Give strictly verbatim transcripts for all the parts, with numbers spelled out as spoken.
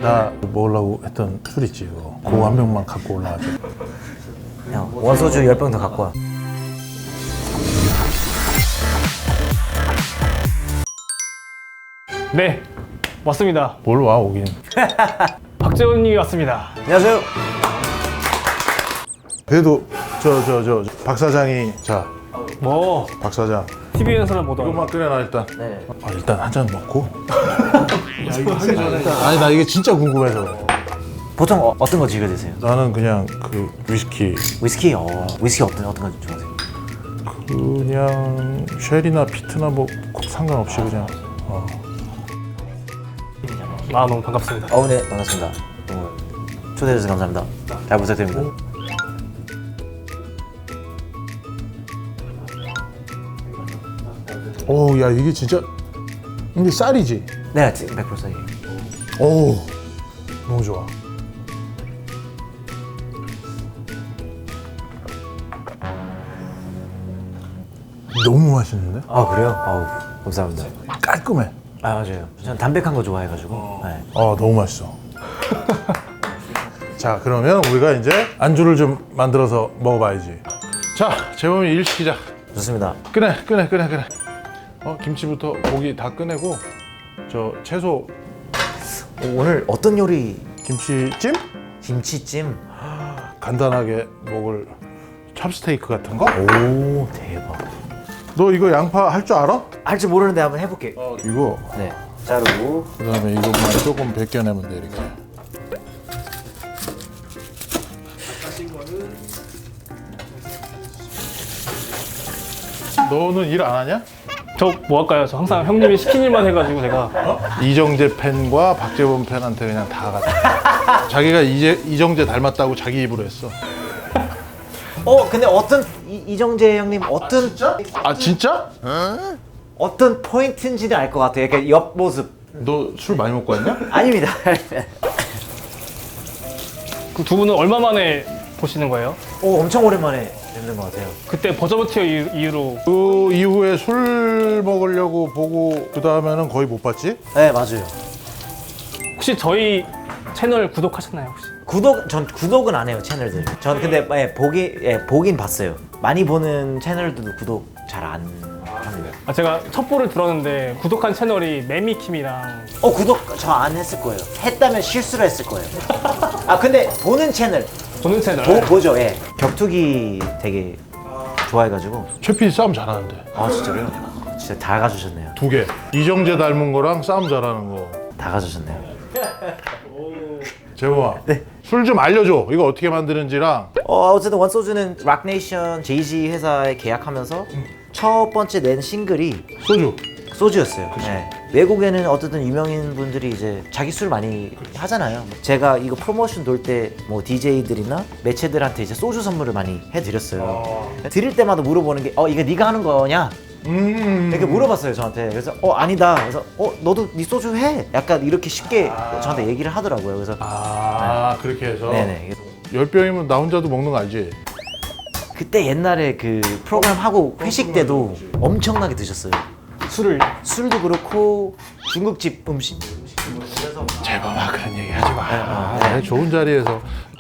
나 먹으려고 했던 술 있지 이거. 그거 한 병만 갖고 올라가자. 형 원소주 열 병 더 갖고 와. 네, 왔습니다. 뭘 와 오긴. 박재원님이 왔습니다. 안녕하세요. 그래도 저 저 저 박 사장이 자 뭐 박 사장 티비에서는 보던 이것만 끓여놔 일단. 네. 아 일단 한 잔 먹고. 야 이거 하기 전에 일단 아니 나 이게 진짜 궁금해서 그래. 보통 어, 어떤 거 즐겨 드세요? 나는 그냥 그 위스키 위스키? 어, 위스키 어떤 어떤 거 좋아하세요? 그냥 쉘이나 피트나 뭐 꼭 상관없이 그냥 어. 아 너무 반갑습니다. 어, 네 반갑습니다. 너무 초대해 주셔서 감사합니다. 잘 부탁드립니다. 오, 야 이게 진짜 이게 쌀이지? 네, 백 퍼센트 쌀이에요. 오, 너무 좋아. 너무 맛있는데? 아 그래요? 아우 감사합니다. 깔끔해. 아 맞아요. 저는 담백한 거 좋아해가지고. 네. 아 너무 맛있어. 자 그러면 우리가 이제 안주를 좀 만들어서 먹어봐야지. 자 재범이 일 시키자. 좋습니다. 꺼내 꺼내 꺼내 꺼내. 어 김치부터 고기 다 꺼내고 저 채소 오늘 어떤 요리? 김치찜 김치찜. 간단하게 먹을 찹스테이크 같은 거. 오 대박. 너 이거 양파 할 줄 알아? 할 줄 모르는데 한번 해볼게요. 어, 이거 네. 자르고. 그다음에 이것만 조금 벗겨내면 돼 이렇게. 너는 일 안 하냐? 저 뭐 할까요? 저 항상 형님이 시킨 일만 해가지고 제가 이정재 팬과 박재범 팬한테 그냥 다 갔다. 자기가 이제 이정재 닮았다고 자기 입으로 했어. 어 근데 어떤 이, 이정재 형님 어떤 아 진짜? 어떤 포인트인지는 알 것 같아요. 이렇게 옆 모습. 너 술 많이 먹고 왔냐? 아닙니다. 그 두 분은 얼마 만에 보시는 거예요? 오 엄청 오랜만에 뵙는 것 같아요. 그때 버저버티어 이후- 이후로 그 이후에 술 먹으려고 보고 그 다음에는 거의 못 봤지? 네 맞아요. 혹시 저희 채널 구독하셨나요 혹시? 구독 전 구독은 안 해요 채널들. 전 근데 예, 보기 예, 보긴 봤어요. 많이 보는 채널들도 구독 잘 안 합니다. 아 제가 첩보를 들었는데 구독한 채널이 매미킴이랑 어 구독 저 안 했을 거예요. 했다면 실수를 했을 거예요. 아 근데 보는 채널 보는 채널. 보, 보죠. 예. 격투기 되게 좋아해가지고. 최필이 싸움 잘하는데. 아 진짜로요? 진짜 다 가주셨네요. 두 개. 이정재 닮은 거랑 싸움 잘하는 거. 다 가주셨네요. 재범아. 네. 술 좀 알려줘. 이거 어떻게 만드는지랑. 어 어쨌든 원소주는 락네이션 제이지 회사에 계약하면서 첫 번째 낸 싱글이 소주. 소주였어요. 네. 외국에는 어쨌든 유명인 분들이 이제 자기 술 많이 하잖아요. 제가 이거 프로모션 돌 때 뭐 디제이들이나 매체들한테 이제 소주 선물을 많이 해드렸어요. 드릴 때마다 물어보는 게 어 이거 네가 하는 거냐? 음. 이렇게 물어봤어요 저한테. 그래서 어 아니다. 그래서 어 너도 네 소주 해. 약간 이렇게 쉽게 저한테 얘기를 하더라고요. 그래서 아, 그렇게 해서. 네네. 열 병이면 나 혼자도 먹는 거 알지? 그때 옛날에 그 프로그램 하고 회식 때도 엄청나게 드셨어요. 술을 술도 그렇고 중국집 음식. 재범아 그런 얘기 하지 마. 아, 아, 좋은 자리에서.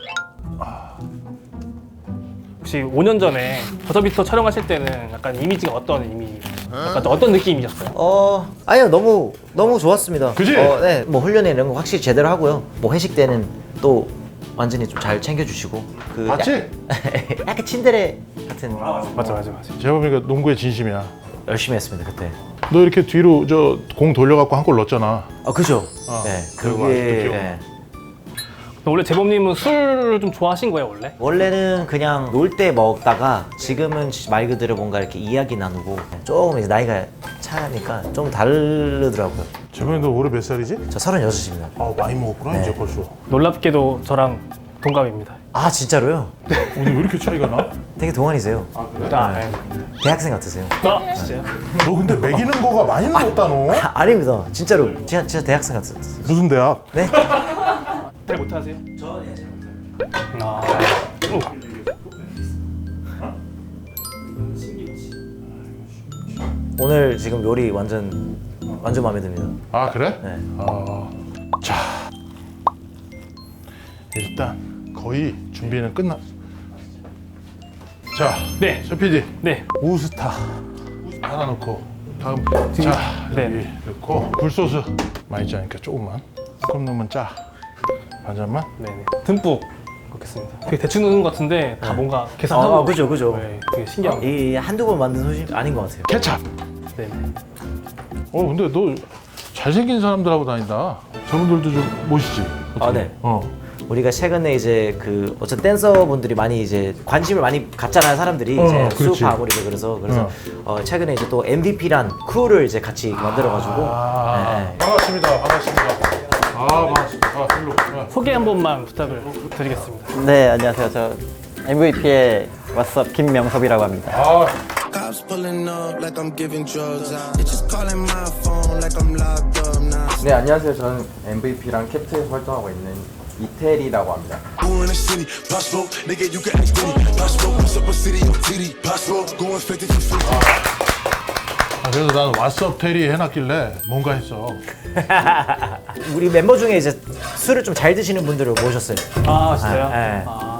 혹시 오 년 전에 버저비터 촬영하실 때는 약간 이미지가 어떤 이미지? 약간 어떤 느낌이셨어요? 어 아니요 너무 너무 좋았습니다. 그지? 어, 네, 뭐 훈련 이런 거 확실히 제대로 하고요. 뭐 회식 때는 또 완전히 좀 잘 챙겨주시고. 그 맞지? 약- 약간 친데레 같은. 맞아 맞아 맞아. 재범이가 농구의 진심이야. 열심히 했습니다 그때. 너 이렇게 뒤로 저 공 돌려갖고 한 골 넣었잖아. 아 그죠? 어, 네, 그거 그게 아직도 기억나. 네. 원래 재범님은 술을 좀 좋아하신 거예요 원래? 원래는 그냥 놀 때 먹다가 지금은 말 그대로 뭔가 이렇게 이야기 나누고 조금 이제 나이가 차니까 좀 다르더라고요. 재범이 너 올해 몇 살이지? 저 서른여섯입니다. 아 많이 먹었구나 네. 이제 벌써. 놀랍게도 저랑 동갑입니다. 아 진짜로요? 오늘 왜 이렇게 차이가 나? 되게 동안이세요. 아, 네. 대학생 같으세요. 아 진짜요? 너 근데 먹이는 거가 많이 늘었다 너. 아, 아닙니다. 진짜로. 진짜, 진짜 대학생 같으세요. 무슨 대학? 네? 잘 못하세요? 저 예, 잘 못해요. 아. 오늘 지금 요리 완전 완전 마음에 듭니다. 아 그래? 네. 아, 자 일단 거의 준비는 끝나. 자, 네. 저 피디 네. 우스타 하나 넣고 다음 자 여기 네. 넣고 굴소스 많이 짜니까 조금만 조금 넣으면 짜 반잔만. 네네. 듬뿍 넣겠습니다. 되게 대충 넣는 것 같은데 다 뭔가 계산하고. 아, 그죠, 그죠. 네, 되게 신기한. 이 한두 번 만든 소식 아닌 것 같아요. 케찹. 네네. 어 근데 너 잘생긴 사람들하고 다닌다. 저분들도 좀 모시지. 아, 네. 어. 우리가 최근에 이제 그 어쨌든 댄서분들이 많이 이제 관심을 많이 갖잖아요, 사람들이. 어, 이제 그렇지. 수업하고 이제 그래서 그래서 어, 최근에 이제 또 엠브이피란 크루를 이제 같이 만들어가지고. 아, 네. 반갑습니다. 반갑습니다. 아 반갑습니다. 아, 일로. 아. 소개 한 번만 부탁을 드리겠습니다. 네, 안녕하세요. 저 엠브이피의 왓썹 김명섭이라고 합니다. 아, Cops pulling up like I'm giving drugs. They just calling my phone like I'm locked up now. 네, 안녕하세요. 저는 엠브이피랑 캡트에서 활동하고 있는 이태리라고 합니다. Who in the city? Pop smoke, nigga, you can act dirty. Pop smoke, what's up a city? I'm titty. Pop smoke, going fifty to fifty. 아, 그래서 나는 왓썹 테리 해놨길래 뭔가 했어. 우리 멤버 중에 이제 술을 좀 잘 드시는 분들을 모셨어요. 아 진짜요? 네. 아.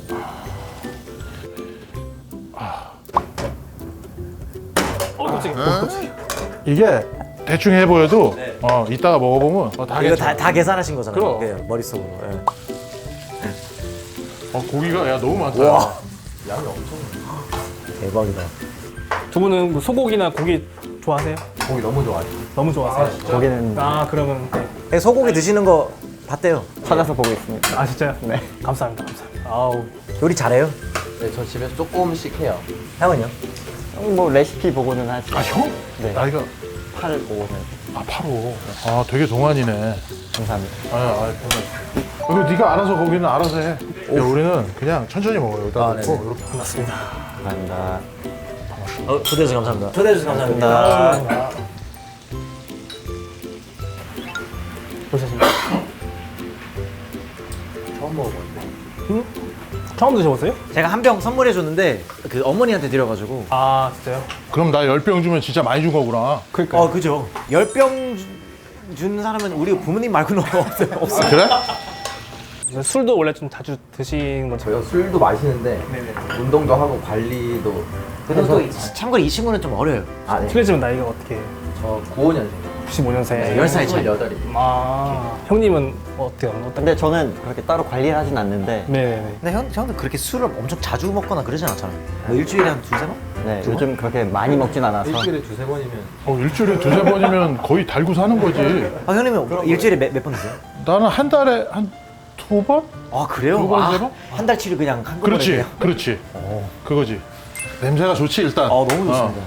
어 갑자기. 어, 갑자기. 이게 대충 해 보여도 어 이따가 먹어보면 어, 다 이거 괜찮아. 다, 다 계산하신 거잖아요. 그럼. 네, 머릿속으로. 예. 어 고기가 야 너무 많다. 와. 양이 엄청. 대박이다. 두 분은 뭐 소고기나 고기 좋아하세요? 고기 너무 좋아해요. 너무 좋아하세요? 거기는 아 그러면 네. 네, 소고기 드시는 거 봤대요. 찾아서 보고 있습니다. 아 진짜요? 네. 감사합니다. 감사합니다. 아우. 요리 잘해요? 네, 저 집에서 조금씩 해요. 형은요? 뭐 레시피 보고는 하지. 아 형? 네. 나이가 팔, 오는. 아 바로. 아 되게 동안이네. 감사합니다. 아, 아 이거 네가 알아서 거기는 알아서 해. 야, 우리는 그냥 천천히 먹어요. 여기다 아, 놓고 네네. 이렇게. 반갑습니다. 감사합니다. 어, 초대해주셔서 감사합니다. 초대해주셔서 감사합니다. 보셨습니까? 처음 먹어봤는데. 처음 드셔보세요? 제가 한 병 선물해줬는데 그 어머니한테 드려가지고. 아 진짜요? 그럼 나 열 병 주면 진짜 많이 준 거구나. 그러니까. 어, 그죠. 열 병 준 사람은 우리 부모님 말고는 없어요. 없어요. 그래? 술도 원래 좀 자주 드시는 거죠? 저희가 술도 마시는데 운동도 하고 관리도 근데 또 해서 이- 참고로 이 친구는 좀 어려요. 아, 네. 실례지만 나이가 어떻게? 저 구십오 년생. 구십오 년생. 열 살 차이. 스물여덟입니다. 아 형님은 어때요? 어떤? 근데 저는 그렇게 따로 관리를 하진 않는데, 네네네. 근데 형, 형도 그렇게 술을 엄청 자주 먹거나 그러진 않잖아요. 뭐 일주일에 한 두세 번? 네, 요즘 그렇게 많이 먹진 않아서. 일주일에 두세 번이면 어 일주일에 두세 번이면 거의 달고 사는 거지. 아, 형님은 일주일에 몇 번 드세요? 나는 한 달에 한 두 번? 아, 그래요? 두 번, 아, 세 번? 한 달치를 그냥 한꺼번에 그렇지, 그냥. 그렇지. 그거지. 냄새가 좋지 일단. 아, 너무 좋습니다. 어.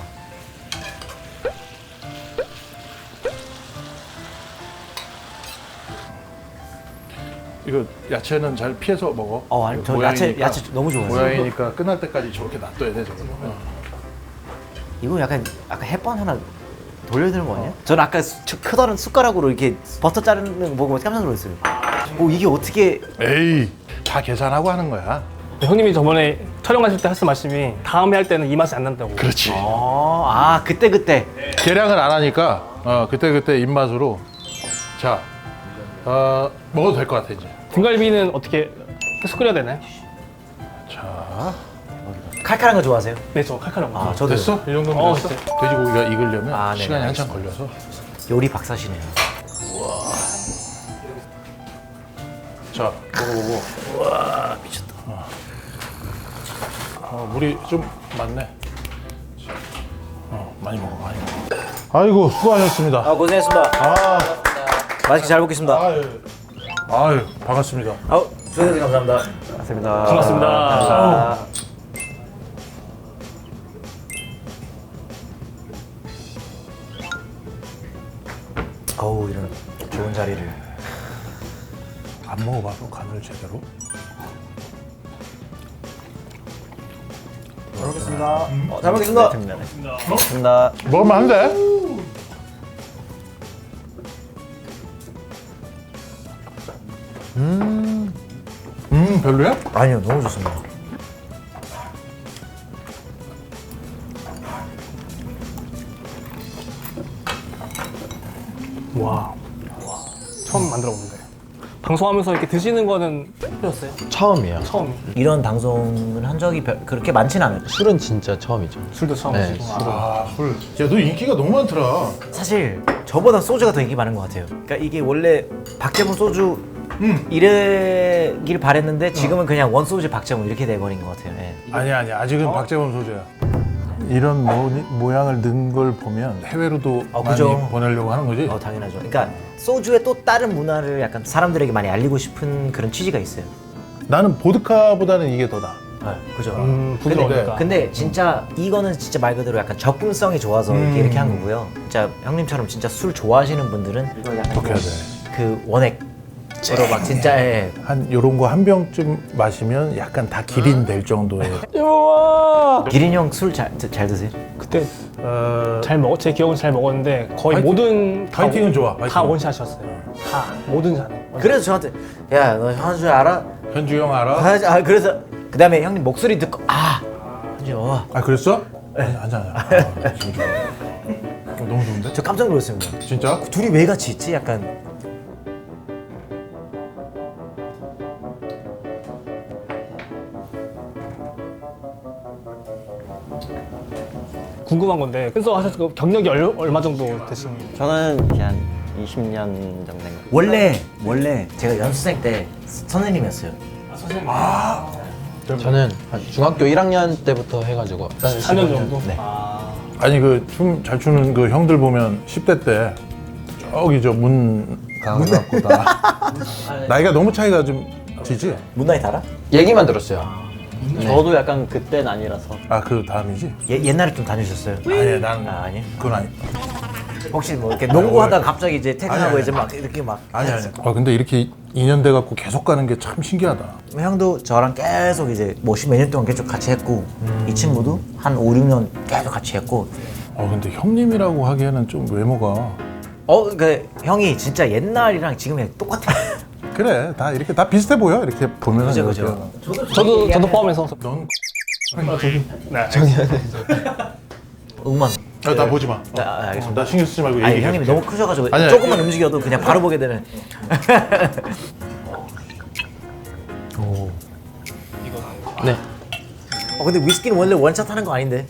이거 야채는 잘 피해서 먹어. 어, 아니, 저 야채- 야채 너무 좋아해요. 모양이니까 끝날 때까지 저렇게 놔둬야 돼 저거. 어. 이거 약간 아까 햇반 하나 돌려드는 거 아니야? 저는 아까 수- 저 크다란 숟가락으로 이렇게 버터 자르는 거 보고 깜짝 놀랐어요. 오, 이게 어떻게? 에이, 다 계산하고 하는 거야. 형님이 저번에 촬영하실 때 하신 말씀이 다음에 할 때는 이 맛이 안 난다고. 그렇지. 어, 아, 그때 그때. 계량을 안 하니까 어, 그때 그때 입맛으로. 자, 어, 먹어도 될 것 같아 이제. 등갈비는 어떻게 계속 끓여야 되나요? 자, 칼칼한 거 좋아하세요? 네, 저 칼칼한 거. 아, 저도 됐어? 이 정도면 어, 됐어? 진짜. 돼지고기가 익으려면 아, 네네, 시간이 한참 걸려서. 요리 박사시네요. 자, 먹어보고. 아, 미쳤다. 어, 물이 좀 많네. 어, 많이 먹어, 많이 먹어. 아이고, 수고하셨습니다. 아, 고생했습니다. 아, 맛있게 잘 먹겠습니다. 아유, 아유, 반갑습니다. 아우, 초대해주셔서 감사합니다. 반갑습니다. 반갑습니다. 아, 어우, 이런 좋은 자리를. 안 먹어봐서 간을 제대로. 잘 먹겠습니다. 어, 잘 먹겠습니다. 반갑습니다. 먹으면 안 돼? 음, 음, 별로야? 아니요, 너무 좋습니다. 와. 와. 처음 만들어 보는데. 방송하면서 이렇게 드시는 거는 해보셨어요? 처음이에요. 처음. 이런 방송을 한 적이 별- 그렇게 많진 않아요. 술은 진짜 처음이죠. 술도 처음 네, 드시고. 술은. 아, 술. 야, 너 인기가 너무 많더라. 사실 저보다 소주가 더 인기 많은 것 같아요. 그러니까 이게 원래 박재범 소주 이래길 바랬는데 지금은 그냥 원 소주 박재범 이렇게 돼버린 것 같아요. 예. 아니야, 아니야. 아직은 박재범 소주야. 이런 모, 모양을 넣은 걸 보면 해외로도 어, 많이 그죠. 보내려고 하는 거지. 어 당연하죠. 그러니까 소주의 또 다른 문화를 약간 사람들에게 많이 알리고 싶은 그런 취지가 있어요. 나는 보드카보다는 이게 더 나아. 네, 그죠. 음, 부드러우니까. 근데 진짜 이거는 진짜 말 그대로 약간 접근성이 좋아서 이렇게, 이렇게 한 거고요. 진짜 형님처럼 진짜 술 좋아하시는 분들은 이거 약간 어떻게 해야 돼? 그 원액으로 막 진짜 예. 한 요런 거 한 병쯤 마시면 약간 다 기린 될 정도의. 기린 형 술 잘 잘 드세요? 그때 어, 잘 먹었, 제 기억은 잘 먹었는데 거의 파이팅- 모든 다 파이팅은 원- 좋아, 다 파이팅은. 원샷이었어요. 다 모든 잔. 그래서 저한테 야 너 현주 알아? 현주 형 알아? 아 그래서 그 다음에 형님 목소리 듣고 아 현주 와. 아, 그랬어? 네. 아니, 아니, 아니. 아, 지금 좋아. 어, 너무 좋은데? 저 깜짝 놀랐습니다. 진짜? 둘이 왜 같이 있지? 약간 궁금한 건데 그래서 하셨을 거 경력이 얼, 얼마 정도 되신? 저는 그냥 이십 년 정도 된 거. 원래 원래 제가 연수생 때 선생님이었어요. 저는 한 중학교 일 학년 때부터 해가지고 사 년 정도? 네. 아니, 그 춤 잘 추는 그 형들 보면 십 대 때 저기 저 문 가갖고 다 나이가 너무 차이가 좀 지지? 문나이 달아? 얘기만 들었어요. 저도 약간 그때는 아니라서. 아, 그 다음이지? 예, 옛날에 좀 다니셨어요? 아니, 난 아, 아니에요? 그건 아니. 혹시 뭐 이렇게 농구하다가 갑자기 이제 퇴근하고 아니, 아니. 이제 막 이렇게 막 아니, 아니. 아, 근데 이렇게 인연 돼 갖고 계속 가는 게 참 신기하다. 형도 저랑 계속 이제 뭐 십 몇 년 동안 계속 같이 했고 이 친구도 한 오, 육 년 계속 같이 했고 어, 근데 형님이라고 하기에는 좀 외모가 어, 그 형이 진짜 옛날이랑 지금이랑 똑같아. 그래, 다 이렇게 다 비슷해 보여. 이렇게 보면은. 그죠, 이렇게. 그죠. 저도 저도 포함해서. 넌 네. 응만. 아, 나 보지 마. 아, 아, 알겠습니다. 나 신경 쓰지 말고 아니 얘기해. 형님이 너무 크셔가지고 아니, 아니, 조금만 그- 움직여도 그냥 바로 보게 되는. 네. 어 근데 위스키는 원래 원샷 하는 거 아닌데.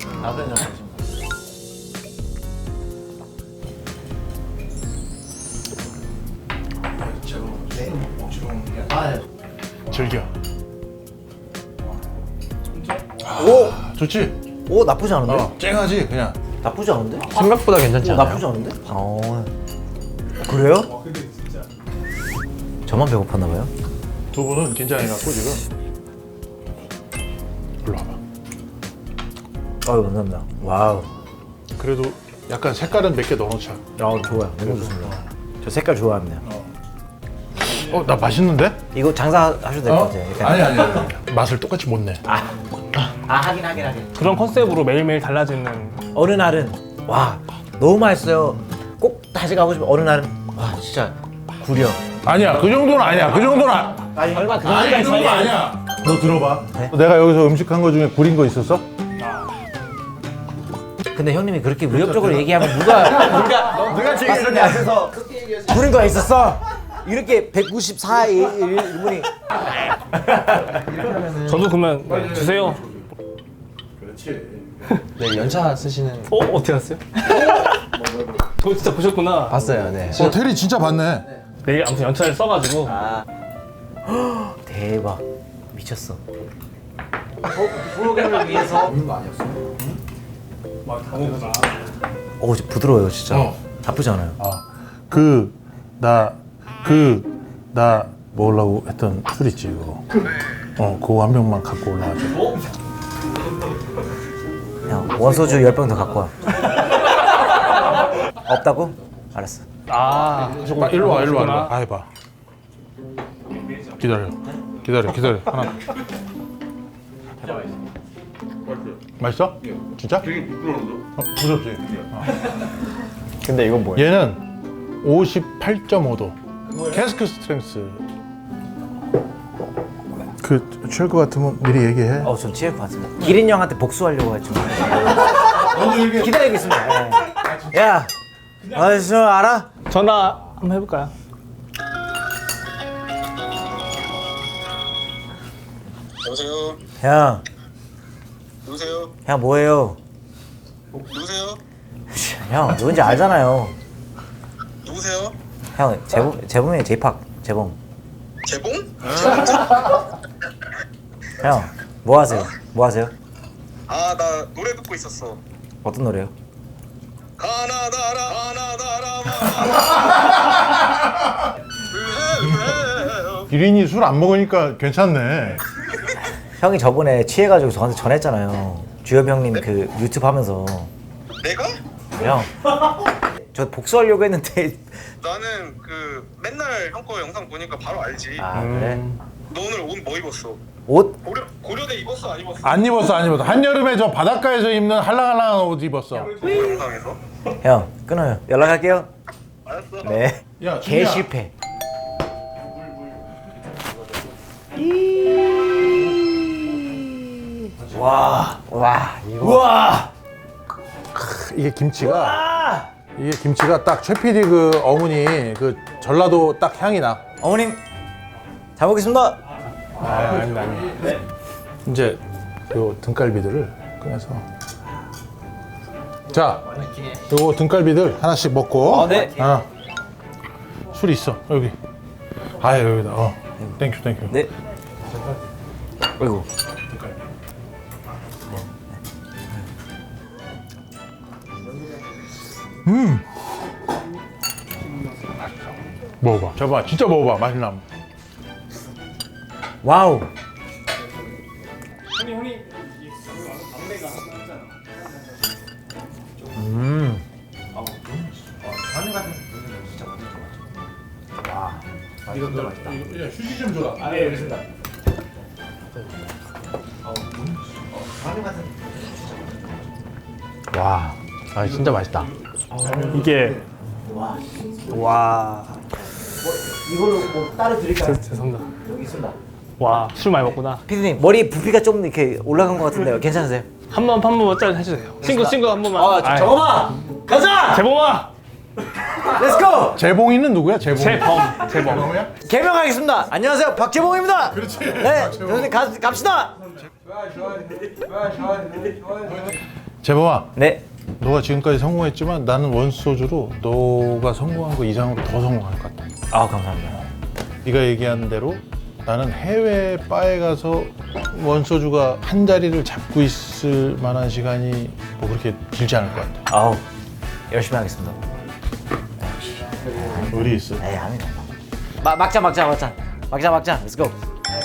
즐겨. 오, 좋지? 오 나쁘지 않은데? 어, 쨍하지 그냥. 나쁘지 않은데? 생각보다 괜찮지 오, 않아요? 나쁘지 않은데? 어. 그래요? 저만 배고팠나 봐요. 두 분은 긴장해갖고 지금. 일로 와봐. 아유 감사합니다. 와우. 그래도 약간 색깔은 몇 개 넣어놓자. 아 좋아요. 너무 좋습니다. 저 색깔 좋아합니다. 어, 나 맛있는데? 이거 장사하셔도 될 것 어? 같아요. 약간. 아니, 아니, 아니. 맛을 똑같이 못 내. 아 하긴 하긴 하긴. 그런 컨셉으로 매일매일 달라지는. 어느 날은 와 너무 맛있어요. 꼭 다시 가고 싶어. 어느 날은 와 진짜 구려. 아니야, 그 정도는 아니야. 그 정도는 아... 아니 얼마 그 아니, 그 정도 아니야. 너 들어봐. 내가 여기서 음식한 거 중에 구린 거 있었어? 근데 형님이 그렇게 위협적으로 얘기하면 누가 누가 누가 지금 내 앞에서 구린 거 있었어? 이렇게 백구십사 일분이 저도 그러면 네, 주세요. 네, 연차 쓰시는 어 어떻게 알았어요? 그거 진짜 보셨구나. 봤어요. 네. 어, 테리 진짜 봤네. 내일 아무튼 연차를 써가지고. 대박 미쳤어. 프로그램을 위해서 어 진짜 부드러워요 진짜. 어. 나쁘지 않아요. 아, 그, 나, 그, 나 먹으려고 했던 술 있지, 그거. 어, 그거 한 병만 갖고 올라가자. 형 원소주 열 병 더 갖고 와. 없다고? 알았어. 아, 아, 일로 와, 일로 와, 일로 와. 아, 해봐. 기다려. 기다려, 기다려. 하나. 맛있어? 진짜? 되게 부드러운데? 어, 부드럽지? 어. 근데 이건 뭐예요? 얘는 오십팔 점 오 도. 캐스크 스트렝스. 그, 취할 것 같으면 미리 얘기해. 어, 전 취할 것 같습니다. 기린 형한테 복수하려고 했죠. 기다리고 있습니다. 예. 야, 아, 저 알아? 전화 한번 해볼까요? 여보세요? 형, 누구세요? 형 뭐해요? 누구세요? 형 누군지 알잖아요. 누구세요? 형 재범 재범이 제이팍 재범. 재봉? 형 뭐 하세요? 뭐 하세요? 아, 나 노래 듣고 있었어. 어떤 노래요? 가나다라 가나다라 기린이 술 안 먹으니까 괜찮네. 형이 저번에 취해가지고 저한테 전했잖아요. 주엽 형님 그 유튜브 하면서. 내가? 형, 저 복수하려고 했는데. 나는 그 맨날 형 거 영상 보니까 바로 알지. 아 그래? 너 오늘 옷 뭐 입었어? 옷? 고려 고려대 입었어 안 입었어? 안 입었어 안 입었어. 한여름에 저 바닷가에서 입는 할랑할랑한 옷 입었어. 그 영상에서? 형 끊어요. 연락할게요. 알았어. 네. 야, 개 준이야. 실패. 와, 와, 이거. 와, 이게 김치가 이게 김치가 딱 최 피디 그 어머니 그 전라도 딱 향이 나. 어머님 잘 먹겠습니다. 아, 아닙니다, 아닙니다. 이제 요 등갈비들을 꺼내서 자, 요거 등갈비들 하나씩 먹고. 어, 네. 아, 술 있어 여기. 아 여기다. 어, 땡큐 땡큐. 네. 아이고. 먹어봐. 저봐, 진짜 먹어봐. 맛있나? 와우. 휴지 좀 줘라. 와, 아 진짜 맛있다. 이게 와. 이걸로 뭐 따로 드릴까요? 죄송합니다. 여기 있습니다. 와, 술 많이 먹구나. 피디님 머리 부피가 좀 이렇게 올라간 것 같은데요. 괜찮으세요? 한 번, 한 번만 짤 해주세요. 친구, 친구 한 번만. 아, 아이, 정엄아, 가자. 재범아! 렛츠고. 재봉이는 누구야? 재봉. 재범, 재범. 개명하겠습니다. 안녕하세요, 박재봉입니다. 그렇지. 네, 교수님 가, 갑시다. 재봉아, 네. 너가 지금까지 성공했지만 나는 원소주로 너가 성공한 거 이상으로 더 성공할 것 같다. 아, 감사합니다. 네가 얘기한 대로 나는 해외 바에 가서 원소주가 한 자리를 잡고 있을 만한 시간이 뭐 그렇게 길지 않을 것 같아. 아우, 열심히 하겠습니다. 의리 있어. 에이, 아니다. 마, 막자, 막자, 막자. 막자, 막자. Let's go.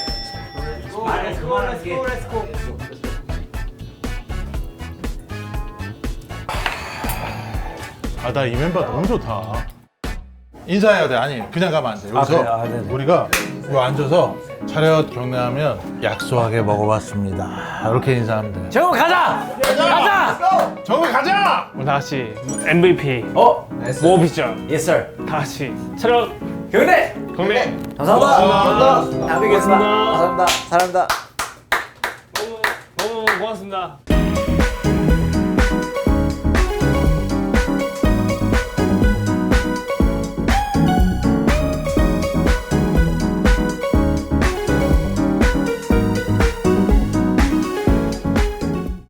아, 나 이 멤버 너무 좋다. 인사해야 돼. 아니, 그냥 가면 안 돼. 여기서 그래요? 아, 네네. 우리가 요 앉아서 차렷 경례하면 약소하게 먹어봤습니다. 이렇게 인사하면 돼. 재봉 가자. 가자. 정우 가자! 우리 다 같이 엠브이피, 어, 모비전, yes sir. 다 같이 차렷, 경례. 경례. 감사합니다. 감사합니다. 다음에 뵙겠습니다. 고맙습니다. 감사합니다. 사랑합니다. 너무, 너무 고맙습니다.